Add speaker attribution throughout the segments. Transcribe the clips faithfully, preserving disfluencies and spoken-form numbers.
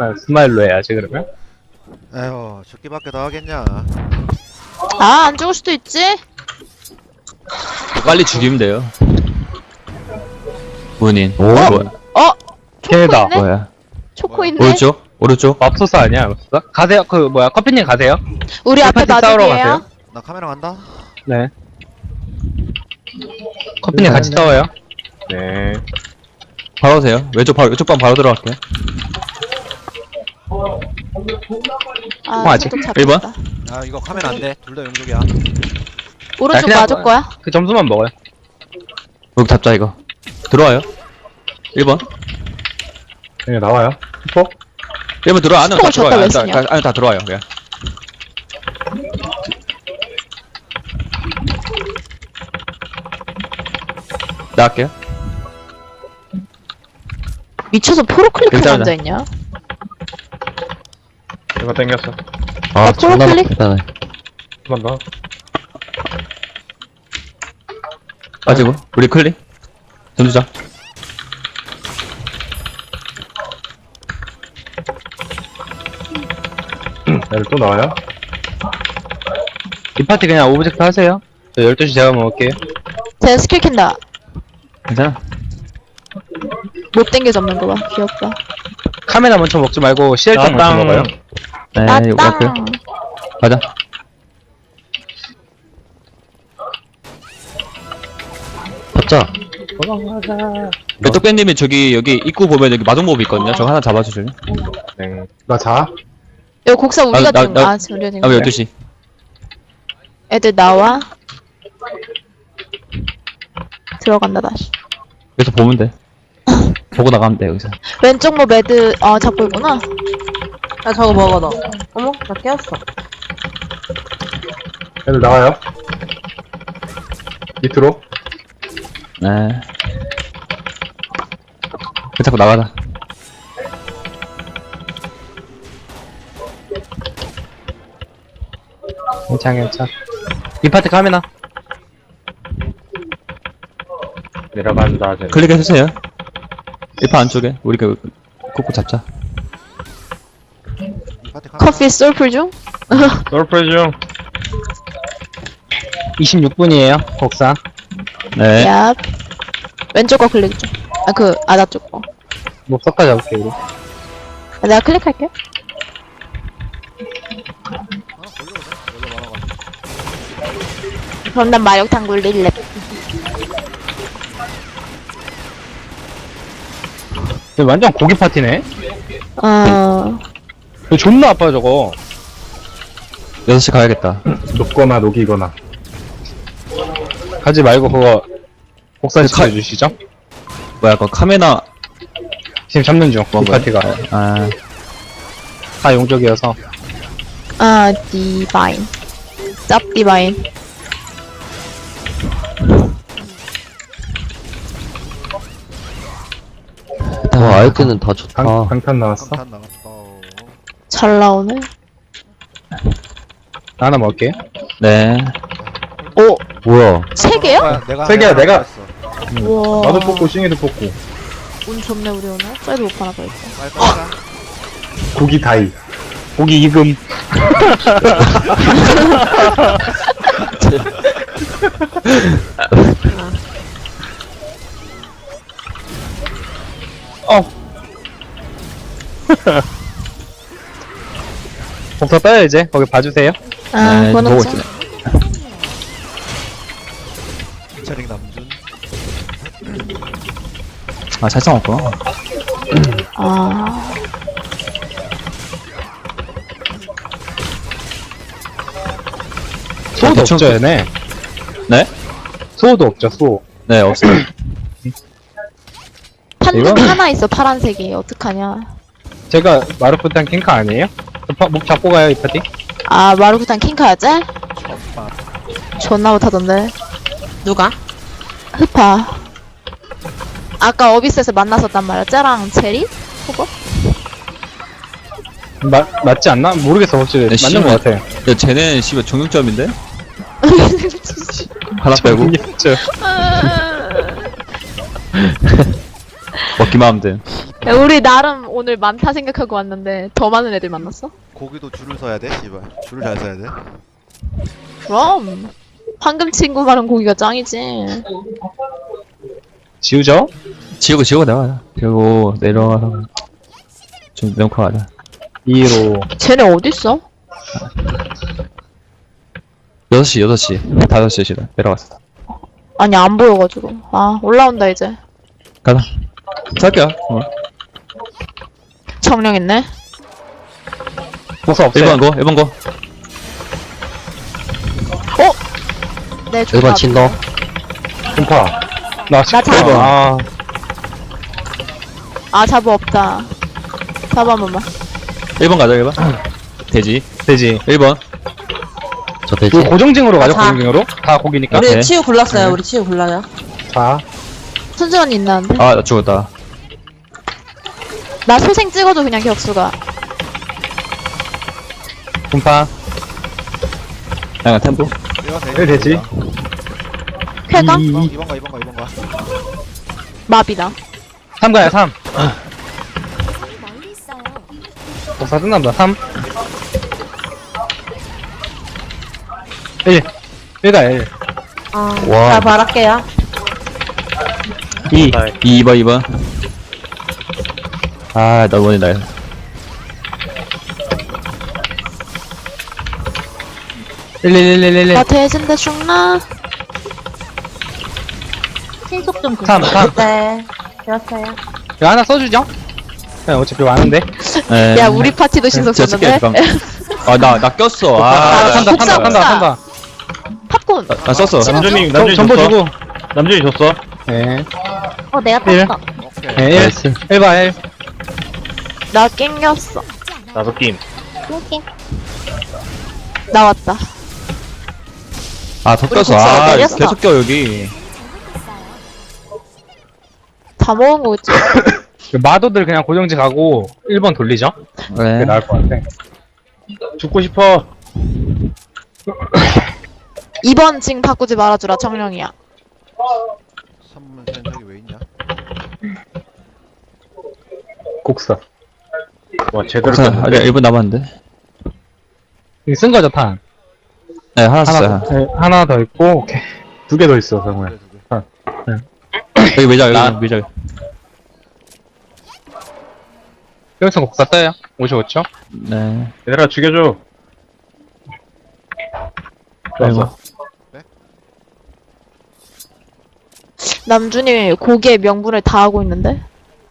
Speaker 1: 아, 스마일로 해야지 그러면.
Speaker 2: 에휴 죽기밖에 더 하겠냐.
Speaker 3: 아, 안 죽을 수도 있지?
Speaker 4: 빨리 죽이면 돼요. 문인.
Speaker 1: 오.
Speaker 4: 뭐야?
Speaker 3: 어? 초코
Speaker 1: 걔다.
Speaker 3: 있네?
Speaker 4: 뭐야?
Speaker 3: 초코 있네?
Speaker 4: 오른쪽? 오른쪽?
Speaker 1: 맙소사 아니야, 맙소사? 가세요. 그 뭐야, 커피님 가세요.
Speaker 3: 우리 앞에
Speaker 1: 파티 싸우러
Speaker 3: 마족이에요.
Speaker 1: 가세요.
Speaker 2: 나 카메라 간다.
Speaker 1: 네. 커피님 같이 싸워요. 네.
Speaker 4: 바로 오세요. 왼쪽 바로, 왼쪽 방 바로 들어갈게요.
Speaker 3: 아,
Speaker 1: 어, 아직
Speaker 3: 소독
Speaker 4: 일 번?
Speaker 3: 잡혔다.
Speaker 2: 야 이거 카메라 안돼. 둘 다 용족이야.
Speaker 3: 오른쪽
Speaker 1: 그냥
Speaker 3: 마족 거야?
Speaker 1: 그 점수만 먹어요.
Speaker 4: 여기 잡자, 이거. 들어와요. 일 번.
Speaker 1: 네, 나와요. 슈퍼?
Speaker 4: 일 번 들어와. 안에 다
Speaker 3: 스포를 줬다
Speaker 4: 들어와요.
Speaker 3: 왜
Speaker 4: 안에 다,
Speaker 3: 쓰냐?
Speaker 4: 안에 다 들어와요, 그냥. 나갈게요.
Speaker 3: 미쳐서 포로 클릭하고
Speaker 4: 일단은-
Speaker 3: 앉아있냐?
Speaker 1: 이거 땡겼어.
Speaker 3: 아, 포로 클릭?
Speaker 4: 일단은.
Speaker 1: 한 번 더.
Speaker 4: 빠지고. 우리 클릭. 던지자.
Speaker 1: 얘를 또 나와요. 이 파티 그냥 오브젝트 하세요. 저 열두 시 제가 먹을게요.
Speaker 3: 제 스킬 캔다.
Speaker 4: 괜찮아.
Speaker 3: 못 땡겨 잡는 거 봐. 귀엽다.
Speaker 1: 카메라 먼저 먹지 말고 씨알장 먼저 먹어요.
Speaker 4: 네,
Speaker 3: 아,
Speaker 4: 이거 갈게요.
Speaker 3: 땅.
Speaker 4: 가자. 잡자. 메떡밴님이 저기, 여기 입구 보면 여기 마동몹이 있거든요. 저거 하나 잡아주실래요?
Speaker 1: 네. 나 자.
Speaker 3: 이거 곡사 우리가
Speaker 4: 나-
Speaker 3: 된
Speaker 4: 나-
Speaker 3: 거. 아, 우리가 된
Speaker 4: 아,
Speaker 3: 거.
Speaker 4: 열두 시.
Speaker 3: 애들 나와. 들어간다 다시.
Speaker 4: 여기서 보면 돼. 보고 나가면 돼, 여기서.
Speaker 3: 왼쪽 뭐 매드 어 잡고 있구나.
Speaker 5: 야 저거 먹어 너. 어머 나 깨웠어.
Speaker 1: 애들 나와요. 밑으로.
Speaker 4: 네. 그 자꾸 나가자.
Speaker 1: 괜찮, 괜찮. 이 파티 카메라. 내려간다. 쟤.
Speaker 4: 클릭해주세요. 일 파 안쪽에. 우리 그, 콕콕 잡자.
Speaker 2: 이 파티 카메라.
Speaker 3: 커피 솔플 중?
Speaker 1: 솔프레 중. 이십육 분이에요, 곡사.
Speaker 4: 네.
Speaker 3: 야. 왼쪽 거 클릭 좀. 아, 그 아다 쪽 거.
Speaker 1: 뭐 섞어 잡을게, 우리.
Speaker 3: 아, 내가 클릭할게.
Speaker 2: 하나 걸려오자. 원래 많아가지고.
Speaker 3: 그럼 난 마력탕 굴릴래.
Speaker 1: 이거 완전 고기 파티네?
Speaker 3: 어.
Speaker 1: 이거 존나 아파, 저거.
Speaker 4: 여섯 시 가야겠다.
Speaker 1: 녹거나 녹이거나. 하지 말고 그거 곡사
Speaker 4: 그
Speaker 1: 시켜
Speaker 4: 카-
Speaker 1: 주시죠.
Speaker 4: 뭐야, 그 카메라.
Speaker 1: 지금 잡는 중, 이
Speaker 4: 뭔가요?
Speaker 1: 파티가.
Speaker 4: 아,
Speaker 1: 다 용적이어서.
Speaker 3: 아, 디바인. 짭 디바인.
Speaker 6: 와, 아이템은 다 좋다.
Speaker 1: 강, 강탄 나왔어.
Speaker 2: 강탄 나갔다. 어.
Speaker 3: 잘 나오네.
Speaker 1: 하나 먹을게.
Speaker 4: 네.
Speaker 3: 오,
Speaker 6: 뭐야?
Speaker 3: 세 개요?
Speaker 2: 아, 내가
Speaker 1: 세 개야,
Speaker 2: 하나
Speaker 1: 내가.
Speaker 2: 했어.
Speaker 3: 우와.
Speaker 1: 나도 뽑고, 싱이도 뽑고.
Speaker 3: 운 좋네, 우리 오늘. 사이드 못 하나 더 있어.
Speaker 2: 빨리 빨리 가.
Speaker 1: 고기 다이. 고기 이금. 어. 복사 떠요 이제. 거기 봐주세요.
Speaker 3: 아,
Speaker 4: 네,
Speaker 3: 그거는
Speaker 4: 보고
Speaker 3: 좀.
Speaker 4: 있어요.
Speaker 2: 피처링 남준.
Speaker 4: 아, 잘 싸웠구나.
Speaker 3: 아.
Speaker 1: 소도
Speaker 4: 대충
Speaker 1: 없죠
Speaker 4: 그-
Speaker 1: 얘네.
Speaker 4: 네?
Speaker 1: 소도 없죠 소.
Speaker 4: 네, 없어요.
Speaker 3: 판금
Speaker 1: 이건-
Speaker 3: 하나 있어, 파란색이. 어떡하냐.
Speaker 1: 제가 마르프탄 킹카 아니에요? 저 파- 목 잡고 가요 이 파티?
Speaker 3: 아, 마루구탄 킹카야지?
Speaker 2: 첫밥.
Speaker 3: 존나 못하던데.
Speaker 5: 누가?
Speaker 3: 흡파. 아까 어비스에서 만났었단 말이야. 쟤랑 제리? 그거?
Speaker 1: 마, 맞지 않나? 모르겠어 확실히.
Speaker 4: 네,
Speaker 1: 맞는 것 같아.
Speaker 4: 야, 쟤네, 씨발, 정육점인데? 하나 빼고.
Speaker 1: 모르겠죠.
Speaker 4: 먹기만 하면 돼.
Speaker 3: 야, 야, 우리 나름 오늘 많다 생각하고 왔는데 더 많은 애들 만났어?
Speaker 2: 고기도 줄을 서야 돼 씨발. 줄을 잘 서야 돼.
Speaker 3: 그럼 황금 친구 말은 고기가 짱이지.
Speaker 1: 지우죠?
Speaker 4: 지우고 지우고 나가자. 지우고 내려가서 좀 명코 가자.
Speaker 1: 이로
Speaker 3: 쟤네 어딨어?
Speaker 4: 여섯 시 여섯 시 다섯 시시다 내려갔어.
Speaker 3: 아니 안 보여가지고. 아 올라온다 이제.
Speaker 4: 가자. 살게요. 어.
Speaker 3: 정령 있네.
Speaker 1: 복사 없어요.
Speaker 4: 일 번 거, 일 번 거.
Speaker 3: 네
Speaker 6: 일 번
Speaker 3: 좋다.
Speaker 6: 친너.
Speaker 1: 분파. 나
Speaker 3: 나 잡아.
Speaker 1: 일 번. 아,
Speaker 3: 아 자부 없다. 자부 한 번만.
Speaker 4: 일 번 가자, 일 번. 돼지.
Speaker 1: 되지.
Speaker 4: 일 번.
Speaker 6: 저 돼지.
Speaker 1: 이거 고정징으로 가죠,
Speaker 5: 자.
Speaker 1: 고정징으로? 다 고기니까.
Speaker 5: 우리
Speaker 4: 오케이.
Speaker 5: 치유 굴렀어요. 우리 치유 굴러요.
Speaker 1: 자,
Speaker 3: 순수언니 있나는데?
Speaker 4: 아, 나 죽었다.
Speaker 3: 나 소생 찍어줘 그냥 격수가.
Speaker 1: 분파.
Speaker 4: 야, 템포.
Speaker 2: 이번 돼.
Speaker 1: 왜 되지?
Speaker 3: 쾌감?
Speaker 1: 이, 이,
Speaker 2: 이번 거 이번 거 이번 거.
Speaker 3: 마비다.
Speaker 1: 삼 가야, 삼. 복사 끝난다, 삼. 일. 일 가야, 일.
Speaker 5: 아,
Speaker 6: 와.
Speaker 5: 자, 말할게요.
Speaker 1: 이.
Speaker 4: 이 번, 이 번. 아, 나 원이 나야.
Speaker 1: 일, 일, 일, 일, 일, 일.
Speaker 3: 나 대진데 죽나?
Speaker 5: 신속 좀
Speaker 1: 삼, 삼.
Speaker 5: 네. 되었어요.
Speaker 1: 이거 하나 써주죠? 네, 어차피 많은데.
Speaker 4: 에.
Speaker 3: 야 우리 파티도 신속
Speaker 4: 제가 쓸게,
Speaker 3: 썼는데?
Speaker 4: 잠깐. 아, 나, 나 꼈어.
Speaker 1: 아,
Speaker 4: 아,
Speaker 1: 산다,
Speaker 3: 복사,
Speaker 1: 산다, 산다,
Speaker 3: 복사.
Speaker 1: 산다.
Speaker 3: 팝콘.
Speaker 4: 나, 나 썼어.
Speaker 3: 찍어줘?
Speaker 7: 남준이
Speaker 1: 저,
Speaker 7: 남준이
Speaker 1: 전보
Speaker 7: 줬어?
Speaker 1: 주고.
Speaker 7: 남준이 줬어?
Speaker 1: 네.
Speaker 5: 어, 내가
Speaker 1: 일.
Speaker 5: 땄어.
Speaker 2: 오케이.
Speaker 1: 네, 일.
Speaker 6: 나이스.
Speaker 1: 일 봐, 일.
Speaker 3: 나 낑겼어.
Speaker 7: 나도 게임.
Speaker 3: 나왔다.
Speaker 4: 아, 더
Speaker 3: 우리
Speaker 4: 꼈어.
Speaker 3: 복사
Speaker 4: 아,
Speaker 3: 내렸어.
Speaker 4: 계속 껴, 여기.
Speaker 3: 다 먹은 거겠지?
Speaker 1: 그 마도들 그냥 고정지 가고 일 번 돌리죠? 그게
Speaker 4: 네.
Speaker 1: 나을 것 같아.
Speaker 7: 죽고 싶어.
Speaker 3: 이 번 징 바꾸지 말아주라 정령이야.
Speaker 2: 삼 번 센터기 왜 있냐?
Speaker 1: 곡사.
Speaker 7: 와 제대로
Speaker 4: 자,
Speaker 7: 꼈는데.
Speaker 4: 아직 일 분 남았는데.
Speaker 1: 이거 쓴 거죠, 탄?
Speaker 4: 네, 하나
Speaker 1: 하나,
Speaker 4: 썼어요.
Speaker 1: 더, 네, 하나 더 있고, 오케이. 두 개 더 있어,
Speaker 2: 두
Speaker 1: 정말.
Speaker 2: 개, 두 개.
Speaker 4: 여기 매장,
Speaker 1: 나-
Speaker 4: 여기 매장.
Speaker 1: 여기서 곡사 떠요. 오십오 초.
Speaker 4: 네.
Speaker 7: 얘들아 죽여줘.
Speaker 4: 아이고.
Speaker 3: 남준이 고기의 명분을 다 하고 있는데?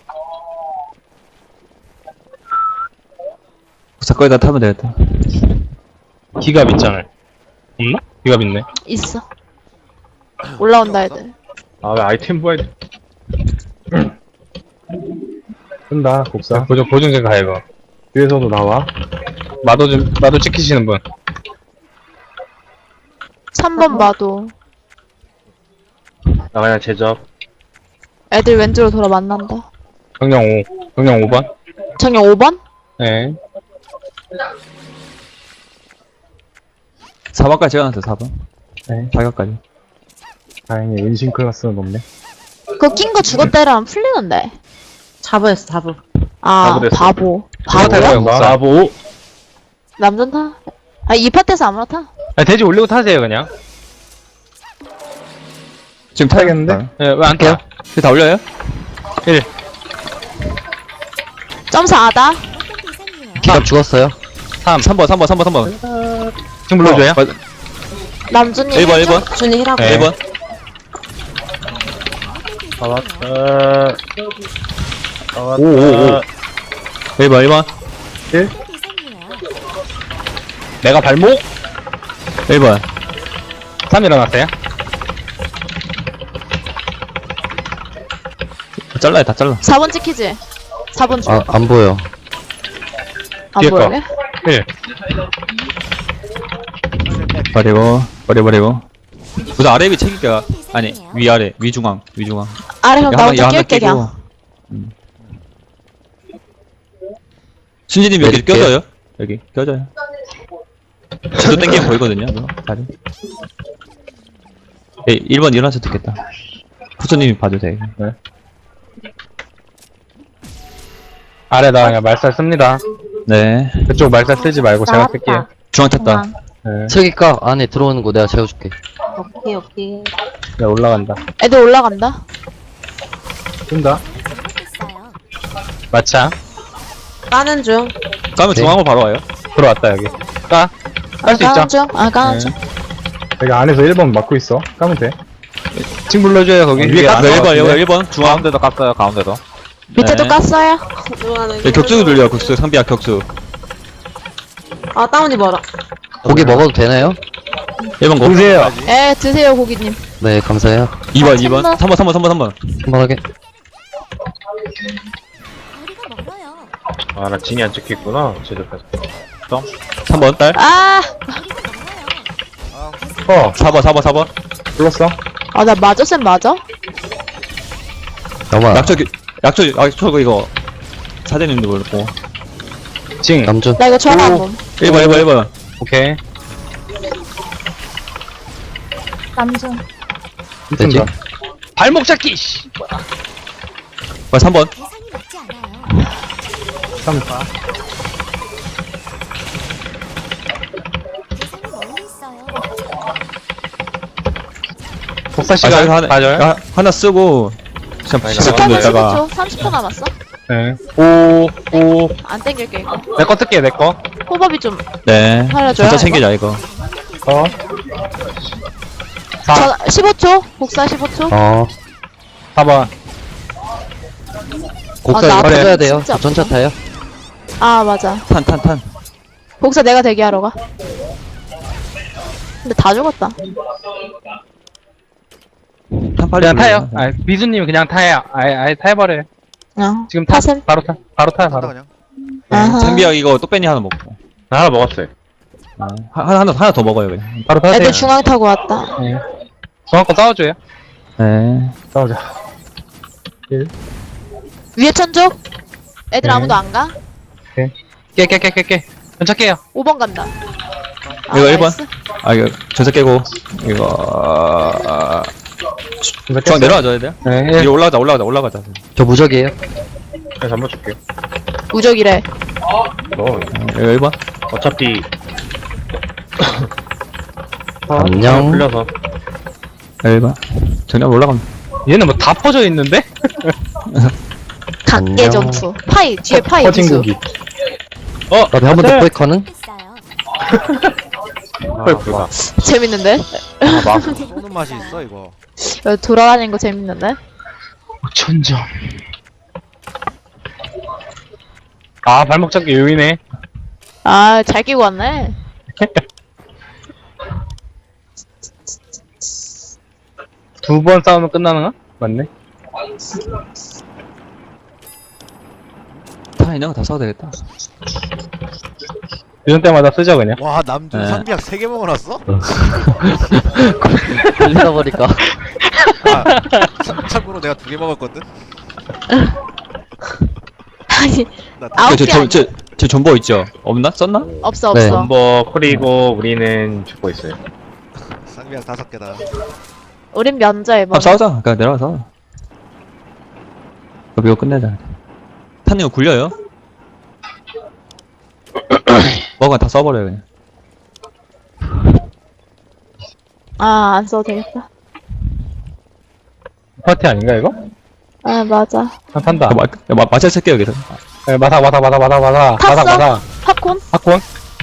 Speaker 4: 사건에다 타면 되겠다.
Speaker 1: 기갑 있잖아요. 없나? 기갑 있네.
Speaker 3: 있어. 올라온다 애들.
Speaker 7: 아 왜 아이템 부활?
Speaker 1: 쓴다, 곡사. 보정, 보정제 가, 이거. 뒤에서도 나와. 마도 좀, 마도 찍히시는 분.
Speaker 3: 삼 번 봐도
Speaker 7: 나 그냥 제접.
Speaker 3: 애들 왼쪽으로 돌아 만난다.
Speaker 1: 정령 오. 정령 오 번.
Speaker 3: 정령 오 번?
Speaker 1: 네.
Speaker 4: 사 번까지 찍어놨어요, 사 번.
Speaker 1: 네.
Speaker 4: 사각까지.
Speaker 1: 다행히 은신 클래스는 없네.
Speaker 3: 그거 낀 거 죽었다 이러면 풀리는데.
Speaker 5: 자부했어, 자부.
Speaker 3: 아
Speaker 7: 바보 됐어.
Speaker 3: 바보.
Speaker 1: 바보야?
Speaker 3: 바보야?
Speaker 1: 곡사.
Speaker 7: 나보.
Speaker 3: 남전 타? 아 이 파트에서 아무나 타.
Speaker 1: 아, 돼지 올리고 타세요, 그냥.
Speaker 4: 지금 타야겠는데?
Speaker 1: 네, 왜 안 타요?
Speaker 4: 이거 다 올려요?
Speaker 1: 일.
Speaker 3: 점사 아다.
Speaker 6: 기갑 죽었어요.
Speaker 1: 삼.
Speaker 4: 삼 번, 삼 번, 삼 번, 삼 번.
Speaker 1: 지금 불러줘요?
Speaker 4: 어,
Speaker 3: 남준이
Speaker 4: 일 번, 일 번.
Speaker 5: 준이 힐하고.
Speaker 1: 네.
Speaker 4: 일 번.
Speaker 7: 나왔다. 나왔다.
Speaker 1: 오, 오, 오.
Speaker 4: 일 번, 일 번.
Speaker 1: 내가 발목?
Speaker 4: 일 번.
Speaker 1: 삼 일어났어요?
Speaker 4: 잘라요, 다 잘라.
Speaker 3: 사 번 찍히지? 사 번 줘.
Speaker 6: 아, 안 보여.
Speaker 3: 안
Speaker 1: 뒤에 거.
Speaker 3: 보이게?
Speaker 1: 일.
Speaker 4: 버리고, 버려, 버리고. 우선 아래 위 책임가. 아니, 위, 아래. 위, 중앙. 위, 중앙.
Speaker 3: 아래 형
Speaker 4: 야,
Speaker 3: 나
Speaker 4: 하나,
Speaker 3: 혼자
Speaker 4: 야, 하나
Speaker 3: 낄게
Speaker 4: 끼고.
Speaker 3: 그냥.
Speaker 4: 음. 신지님 여기
Speaker 6: 내릴게요.
Speaker 4: 껴져요? 여기, 껴져요. 지도 땡기면 보이거든요, 그거. 다리. 예, 일 번 일어나서 듣겠다. 푸처님이 봐도 돼.
Speaker 1: 네. 아래다 그냥 말살 씁니다.
Speaker 4: 네.
Speaker 1: 그쪽 말살 쓰지 말고 제가 쓸게요.
Speaker 4: 중앙 탔다.
Speaker 1: 네.
Speaker 6: 저기가 안에 들어오는 거 내가 채워줄게.
Speaker 5: 오케이, 오케이.
Speaker 1: 네, 올라간다.
Speaker 3: 애들 올라간다.
Speaker 1: 쓴다. 마차.
Speaker 5: 까는 중.
Speaker 4: 까면
Speaker 6: 네.
Speaker 4: 중앙으로 바로 와요.
Speaker 1: 들어왔다, 여기. 까. 깔 수
Speaker 3: 아,
Speaker 1: 있죠?
Speaker 3: 까는 중. 아, 까는
Speaker 1: 네.
Speaker 3: 중.
Speaker 1: 여기 안에서 일 번 막고 있어. 까면 돼.
Speaker 4: 칭 불러줘요, 거기.
Speaker 1: 어,
Speaker 4: 위에
Speaker 1: 위에
Speaker 4: 깠어요.
Speaker 1: 안
Speaker 4: 일 번,
Speaker 1: 나왔는데?
Speaker 4: 일 번. 중앙. 가운데도 깠어요, 가운데도.
Speaker 3: 밑에도
Speaker 4: 네.
Speaker 3: 깠어요.
Speaker 5: 좋아하는
Speaker 4: 네, 격수 돌려요, 격수. 상비야, 격수.
Speaker 5: 아, 다운이 뭐라.
Speaker 6: 고기 먹어도 되나요?
Speaker 4: 일 번 고.
Speaker 1: 보세요.
Speaker 3: 에, 드세요, 고기님.
Speaker 6: 네, 감사해요.
Speaker 4: 이 번,
Speaker 3: 아,
Speaker 4: 이 번.
Speaker 3: 참나.
Speaker 4: 삼 번, 삼 번, 삼 번, 삼 번.
Speaker 6: 한번 하게.
Speaker 7: 아, 나 진이 안 찍혔구나. 제대로까지.
Speaker 4: 삼 번, 딸.
Speaker 3: 아!
Speaker 1: 어,
Speaker 4: 사 번, 사 번, 사 번.
Speaker 1: 불렀어?
Speaker 3: 아, 나 맞아, 쌤 맞아?
Speaker 6: 영화.
Speaker 4: 약초, 약초, 약초, 이거. 사장님도 모르고.
Speaker 1: 징.
Speaker 6: 남준.
Speaker 3: 나 이거 전화 한
Speaker 1: 오.
Speaker 3: 번.
Speaker 4: 일 번, 일 번, 일 번.
Speaker 1: 오케이.
Speaker 3: 남중.
Speaker 6: 되지?
Speaker 1: 쓴다. 발목 잡기, 씨.
Speaker 4: 어, 삼 번.
Speaker 1: 삼. 복사
Speaker 4: 아,
Speaker 1: 시간
Speaker 4: 하나,
Speaker 1: 맞아요?
Speaker 4: 아, 하나 쓰고. 그냥
Speaker 7: 아니,
Speaker 4: 십분
Speaker 3: 십분
Speaker 4: 있다가.
Speaker 3: 십오 초. 삼십 초 남았어.
Speaker 1: 네. 오, 오.
Speaker 3: 안 땡길게, 이거.
Speaker 1: 내 거 뜰게, 내 거.
Speaker 3: 호법이 좀.
Speaker 4: 네.
Speaker 3: 살려줘요,
Speaker 4: 진짜 챙기자, 이거.
Speaker 1: 어. 사,
Speaker 3: 저, 십오 초. 복사 십오 초.
Speaker 6: 어.
Speaker 1: 사 번.
Speaker 6: 곡사
Speaker 3: 아, 나
Speaker 6: 이거
Speaker 3: 앞에
Speaker 6: 터져야 돼요.
Speaker 3: 진짜
Speaker 6: 전차 타요.
Speaker 3: 아, 맞아.
Speaker 4: 탄, 탄, 탄.
Speaker 3: 복사 내가 대기하러 가. 근데 다 죽었다.
Speaker 4: 탄 빨리
Speaker 1: 그냥
Speaker 4: 불러요.
Speaker 1: 타요. 아, 미수님 그냥 타요. 아예, 아예 타버려요.
Speaker 3: 어.
Speaker 1: 지금 타.
Speaker 3: 타셈.
Speaker 1: 바로 타. 바로 타요,
Speaker 2: 한다
Speaker 1: 바로.
Speaker 2: 그냥.
Speaker 3: 아하.
Speaker 4: 장비야, 이거 똑배니 하나 먹고.
Speaker 7: 나 하나 먹었어요.
Speaker 4: 아, 하나, 하나, 하나 더 먹어요, 그냥.
Speaker 1: 바로 타세요.
Speaker 3: 애들 중앙 타고 왔다.
Speaker 1: 네. 중앙 거 싸워줘요.
Speaker 4: 네.
Speaker 1: 싸우자.
Speaker 3: 위에 천조? 애들
Speaker 1: 네.
Speaker 3: 아무도 안 가?
Speaker 1: 깨, 깨, 깨, 깨, 깨. 전착해요.
Speaker 3: 오 번 간다. 아,
Speaker 4: 이거 일 번.
Speaker 3: 나이스.
Speaker 4: 아, 이거, 전세 깨고. 이거, 아, 중앙 내려와줘야 돼요?
Speaker 1: 네,
Speaker 4: 이거
Speaker 1: 일.
Speaker 4: 올라가자, 올라가자, 올라가자.
Speaker 6: 저 무적이에요.
Speaker 7: 그래서 한번 줄게요.
Speaker 3: 무적이래.
Speaker 7: 너,
Speaker 4: 이거 일 번.
Speaker 7: 어차피.
Speaker 6: 안녕.
Speaker 7: 풀려서.
Speaker 4: 일 번. 정답 올라가면.
Speaker 1: 얘는 뭐 다 퍼져 있는데?
Speaker 3: 각계
Speaker 6: 안녕.
Speaker 3: 전투. 파이, 뒤에 파이
Speaker 1: 퍼진
Speaker 3: 기수.
Speaker 1: 고기.
Speaker 6: 나도 한번 더 포획하는?
Speaker 7: 아, 불가.
Speaker 3: 재밌는데?
Speaker 7: 아, 막.
Speaker 2: 쏘는 맛이 있어 이거.
Speaker 3: 여기 돌아다니는 거 재밌는데?
Speaker 1: 천점. 아, 발목 잡기 요이네.
Speaker 3: 아, 잘 끼고 왔네.
Speaker 1: 두 번 싸우면 끝나는 거? 맞네.
Speaker 4: 다 있는 거 다 써도 되겠다.
Speaker 1: 이런 때마다 쓰죠, 그냥.
Speaker 2: 와 남준
Speaker 4: 네.
Speaker 2: 상비약 세 개 먹어놨어?
Speaker 6: 걸리다 보니까.
Speaker 2: 아, 참, 참고로 내가 두 개 먹었거든.
Speaker 3: 아니,
Speaker 2: 나
Speaker 3: 아홉
Speaker 4: 저,
Speaker 3: 개
Speaker 4: 저,
Speaker 3: 아니-
Speaker 4: 저, 저 존버 있죠? 없나? 썼나?
Speaker 3: 없어,
Speaker 6: 네.
Speaker 3: 없어.
Speaker 7: 넘버 쿨이고 우리는 죽고 있어요.
Speaker 2: 상비약 다섯 개다.
Speaker 3: 우린 면제, 뭐.
Speaker 4: 한번 싸우자. 그냥 내려가서. 그럼 이거 끝내자. 탄 이거 굴려요? 뭐가 다 써버려요, 그냥.
Speaker 3: 아, 안 써도 되겠다.
Speaker 1: 파티 아닌가, 이거?
Speaker 3: 아, 맞아.
Speaker 1: 한 판다.
Speaker 4: 마, 마, 마찰 쓸게요, 여기서.
Speaker 1: 네, 마사, 마사, 마사, 마사, 마사. 마사,
Speaker 3: 탔어?
Speaker 1: 마사.
Speaker 3: 팝콘?
Speaker 1: 팝콘?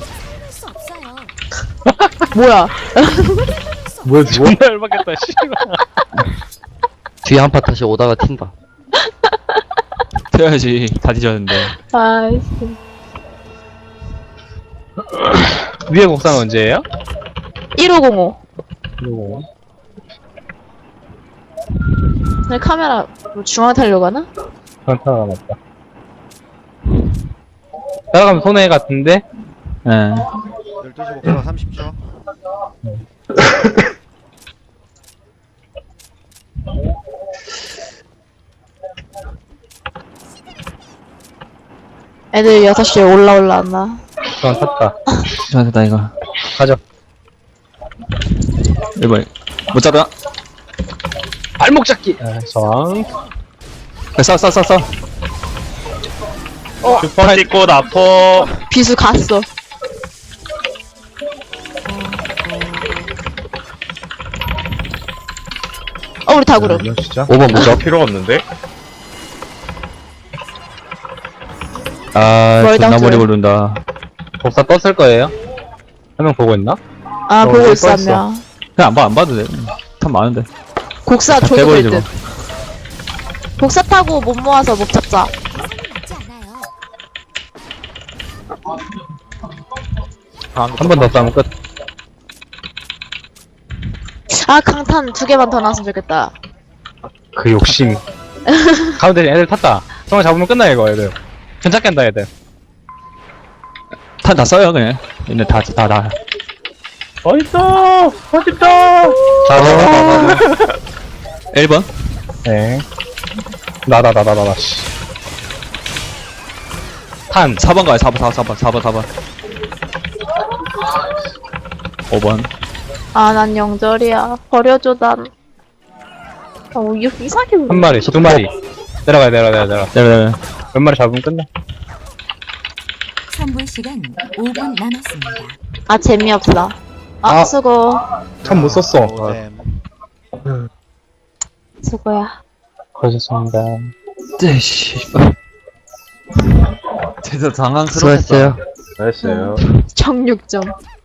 Speaker 3: 뭐야?
Speaker 1: 뭐야, 존나 열받겠다, 씨.
Speaker 6: 뒤에 한 파 다시 오다가 튄다.
Speaker 4: 튀어야지. 다 뒤졌는데.
Speaker 3: 아이씨.
Speaker 1: 위에 곡선 언제예요?
Speaker 3: 일오공오.
Speaker 1: 이거.
Speaker 3: 내 카메라 뭐 중앙 타려고 하나?
Speaker 1: 전타가 맞다. 따라가면 손해 같은데?
Speaker 4: 예.
Speaker 2: 열두 시 목표가 삼십 초.
Speaker 3: 애들 여섯 시에 올라올라왔나?
Speaker 1: 전 탔다.
Speaker 4: 좋았다, 이거.
Speaker 1: 가죠.
Speaker 4: 일 번. 못 잡아.
Speaker 1: 발목 잡기! 아, 저항.
Speaker 4: 싸, 싸, 싸, 싸.
Speaker 7: 슈퍼 찍고 나포.
Speaker 3: 비수 갔어. 어, 우리 다구름.
Speaker 1: 이거 진짜?
Speaker 6: 오 번 무적.
Speaker 7: 필요 없는데?
Speaker 4: 아,
Speaker 3: 머리
Speaker 4: 존나
Speaker 3: 당겨요.
Speaker 4: 머리 고른다.
Speaker 1: 복사 떴을 거예요? 한 명 보고 있나?
Speaker 3: 아,
Speaker 1: 어,
Speaker 3: 보고
Speaker 1: 여기
Speaker 3: 있어, 한
Speaker 1: 떠있어.
Speaker 3: 명.
Speaker 4: 그냥 안 봐, 안 봐도 돼. 참 많은데.
Speaker 3: 곡사 줘도 될
Speaker 4: 빼버리지
Speaker 3: 듯. 곡사 타고 못 모아서 못 잡자.
Speaker 1: 한 번 더 싸면 끝.
Speaker 3: 아, 강탄 두 개만 더 나왔으면 좋겠다.
Speaker 1: 그 욕심. 가운데 애들 탔다. 정말 잡으면 끝나, 이거, 애들. 괜찮겠다, 애들.
Speaker 4: 탄 다 써요, 그냥. 얘네 다, 다, 다.
Speaker 7: 어딨어? 어딨어?
Speaker 1: 자, 자, 자, 자, 자.
Speaker 4: 일 번.
Speaker 1: 네. 나다, 나다, 나다, 씨. 탄.
Speaker 4: 사 번 가요, 사 번, 사 번, 사 번, 사 번. 오 번.
Speaker 3: 아, 난 영절이야. 버려줘, 난. 어, 이- 이상하게.
Speaker 1: 한 마리, 두 마리. 내려가야, 내려가, 내려가, 내려가.
Speaker 4: 네, 네, 네.
Speaker 1: 몇 마리 잡으면 끝나.
Speaker 8: 선불 시간 오 분 남았습니다.
Speaker 3: 아, 재미없어. 아,
Speaker 1: 아.
Speaker 3: 수고.
Speaker 1: 참 못 썼어.
Speaker 2: 오셈.
Speaker 3: 수고야.
Speaker 1: 고생했습니다.
Speaker 4: 네, 씨.
Speaker 6: 수고했어요.
Speaker 7: 잘했어요.
Speaker 3: 정육 점.